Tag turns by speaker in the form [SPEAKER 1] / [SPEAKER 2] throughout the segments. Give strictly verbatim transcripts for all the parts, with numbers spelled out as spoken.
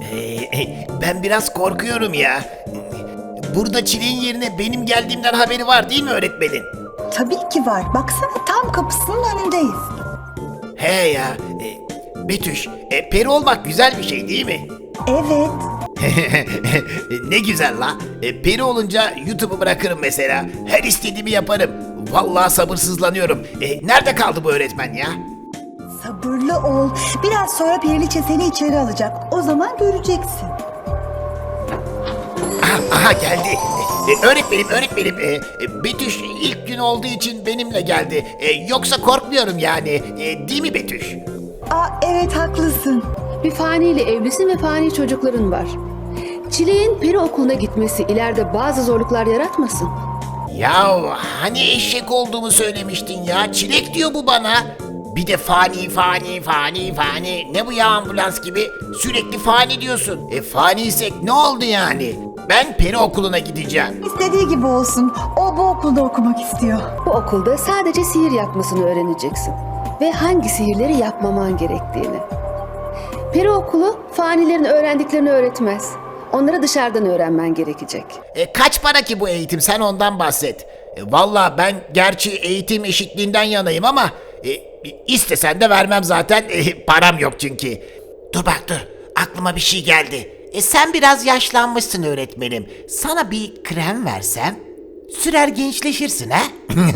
[SPEAKER 1] Ee, ben biraz korkuyorum ya. Burada Çilek'in yerine benim geldiğimden haberi var değil mi öğretmenin?
[SPEAKER 2] Tabii ki var. Baksana tam kapısının önündeyiz.
[SPEAKER 1] He ya. E, Betüş, e, peri olmak güzel bir şey değil mi?
[SPEAKER 2] Evet.
[SPEAKER 1] Ne güzel la. E, peri olunca YouTube'u bırakırım mesela. Her istediğimi yaparım. Vallahi sabırsızlanıyorum. E, nerede kaldı bu öğretmen ya?
[SPEAKER 2] Sabırlı ol. Biraz sonra Periliçe seni içeri alacak. O zaman göreceksin.
[SPEAKER 1] Aha, aha geldi. E, e, öğretmenim, öğretmenim. E, e, Betüş ilk gün olduğu için benimle geldi. E, yoksa korkmuyorum yani. E, değil mi Betüş?
[SPEAKER 2] Aa, evet haklısın.
[SPEAKER 3] Bir faniyle evlisin ve fani çocukların var. Çileğin peri okuluna gitmesi ileride bazı zorluklar yaratmasın.
[SPEAKER 1] Ya hani eşek olduğumu söylemiştin ya. Çilek diyor bu bana. Bir de fani fani fani fani. Ne bu ya ambulans gibi? Sürekli fani diyorsun. E faniysek ne oldu yani? Ben peri okuluna gideceğim.
[SPEAKER 2] İstediği gibi olsun. O bu okulda okumak istiyor.
[SPEAKER 3] Bu okulda sadece sihir yapmasını öğreneceksin. Ve hangi sihirleri yapmaman gerektiğini. Peri okulu fanilerin öğrendiklerini öğretmez. Onları dışarıdan öğrenmen gerekecek.
[SPEAKER 1] E kaç para ki bu eğitim? Sen ondan bahset. E, Valla ben gerçi eğitim eşitliğinden yanayım ama e, istesen de vermem zaten. E, param yok çünkü. Dur bak dur. Aklıma bir şey geldi. E sen biraz yaşlanmışsın öğretmenim. Sana bir krem versem sürer gençleşirsin ha?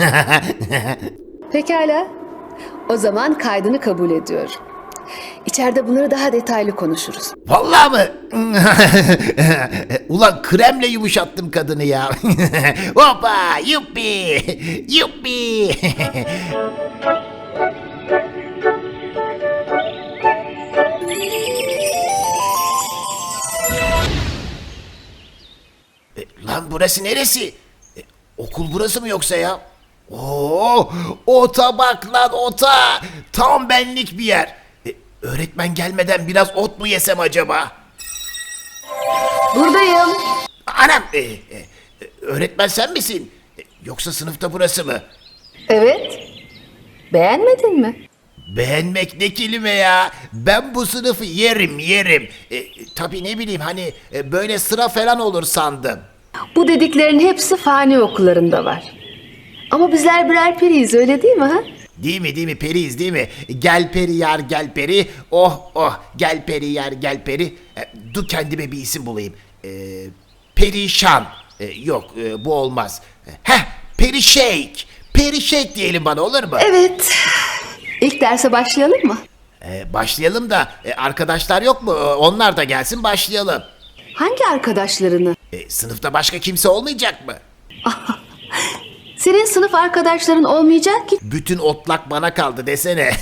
[SPEAKER 3] Pekala. O zaman kaydını kabul ediyorum. İçeride bunları daha detaylı konuşuruz.
[SPEAKER 1] Vallahi mı? Ulan kremle yumuşattım kadını ya. Hoppa yuppi yuppi. E, Lan burası neresi? E, okul burası mı yoksa ya? Oo, ota bak lan ota. Tam benlik bir yer. E, öğretmen gelmeden biraz ot mu yesem acaba?
[SPEAKER 3] Buradayım.
[SPEAKER 1] Anam, e, e, öğretmen sen misin? E, yoksa sınıfta burası mı?
[SPEAKER 3] Evet. Beğenmedin mi?
[SPEAKER 1] Beğenmek ne kelime ya? Ben bu sınıfı yerim yerim. E, tabii ne bileyim hani e, böyle sıra falan olur sandım.
[SPEAKER 3] Bu dediklerin hepsi fani okullarında var. Ama bizler birer periyiz, öyle değil mi ha?
[SPEAKER 1] Değil mi değil mi periyiz değil mi? Gel peri yar gel peri. Oh oh gel peri yar gel peri. E, dur kendime bir isim bulayım. E, perişan. E, yok e, bu olmaz. Heh perişek. Perişek diyelim bana olur mu?
[SPEAKER 3] Evet. İlk derse başlayalım mı?
[SPEAKER 1] E, başlayalım da e, arkadaşlar yok mu? E, Onlar da gelsin başlayalım.
[SPEAKER 3] Hangi arkadaşlarını?
[SPEAKER 1] E, sınıfta başka kimse olmayacak mı?
[SPEAKER 3] Senin sınıf arkadaşların olmayacak ki.
[SPEAKER 1] Bütün otlak bana kaldı desene.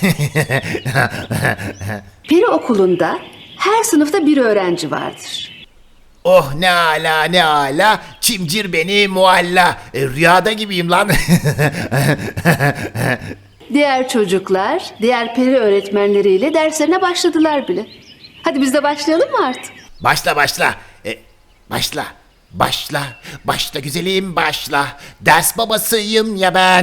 [SPEAKER 3] Peri okulunda her sınıfta bir öğrenci vardır.
[SPEAKER 1] Oh ne ala ne ala. Çimcir beni mualla. E, rüyada gibiyim lan.
[SPEAKER 3] Diğer çocuklar, diğer peri öğretmenleriyle derslerine başladılar bile. Hadi biz de başlayalım mı artık?
[SPEAKER 1] Başla başla. E, başla. Başla. Başla güzelim başla. Ders babasıyım ya ben.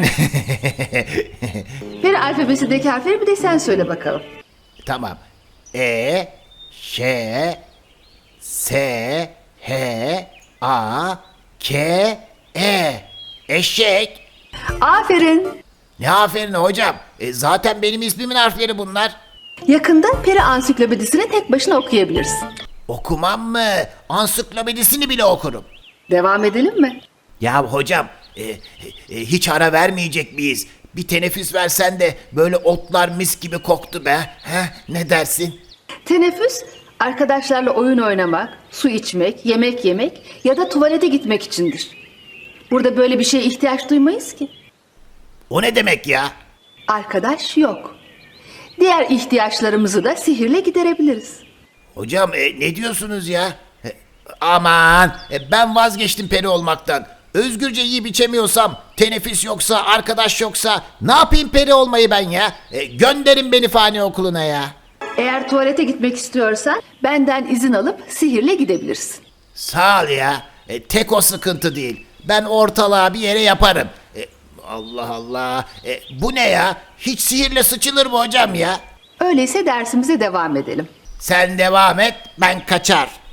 [SPEAKER 3] Peri alfabesindeki harfleri bir de sen söyle bakalım.
[SPEAKER 1] Tamam. E, Ş, S, H, A, K, E. Eşek.
[SPEAKER 3] Aferin.
[SPEAKER 1] Ne aferin hocam. E, zaten benim ismimin harfleri bunlar.
[SPEAKER 3] Yakında peri ansiklopedisini tek başına okuyabilirsin.
[SPEAKER 1] Okumam mı? Ansiklopedisini bile okurum.
[SPEAKER 3] Devam edelim mi?
[SPEAKER 1] Ya hocam e, e, e, hiç ara vermeyecek miyiz? Bir teneffüs versen de böyle otlar mis gibi koktu be. Heh, ne dersin?
[SPEAKER 3] Teneffüs, arkadaşlarla oyun oynamak, su içmek, yemek yemek ya da tuvalete gitmek içindir. Burada böyle bir şeye ihtiyaç duymayız ki.
[SPEAKER 1] O ne demek ya?
[SPEAKER 3] Arkadaş yok. Diğer ihtiyaçlarımızı da sihirle giderebiliriz.
[SPEAKER 1] Hocam e, ne diyorsunuz ya? E, aman e, ben vazgeçtim peri olmaktan. Özgürce yiyip içemiyorsam, teneffüs yoksa, arkadaş yoksa ne yapayım peri olmayı ben ya? E, gönderin beni fani okuluna ya.
[SPEAKER 3] Eğer tuvalete gitmek istiyorsan benden izin alıp sihirle gidebilirsin.
[SPEAKER 1] Sağ ol ya. E, tek o sıkıntı değil. Ben ortalığa bir yere yaparım. E, Allah Allah. E, bu ne ya? Hiç sihirle sıçılır mı hocam ya?
[SPEAKER 3] Öyleyse dersimize devam edelim.
[SPEAKER 1] Sen devam et, ben kaçar.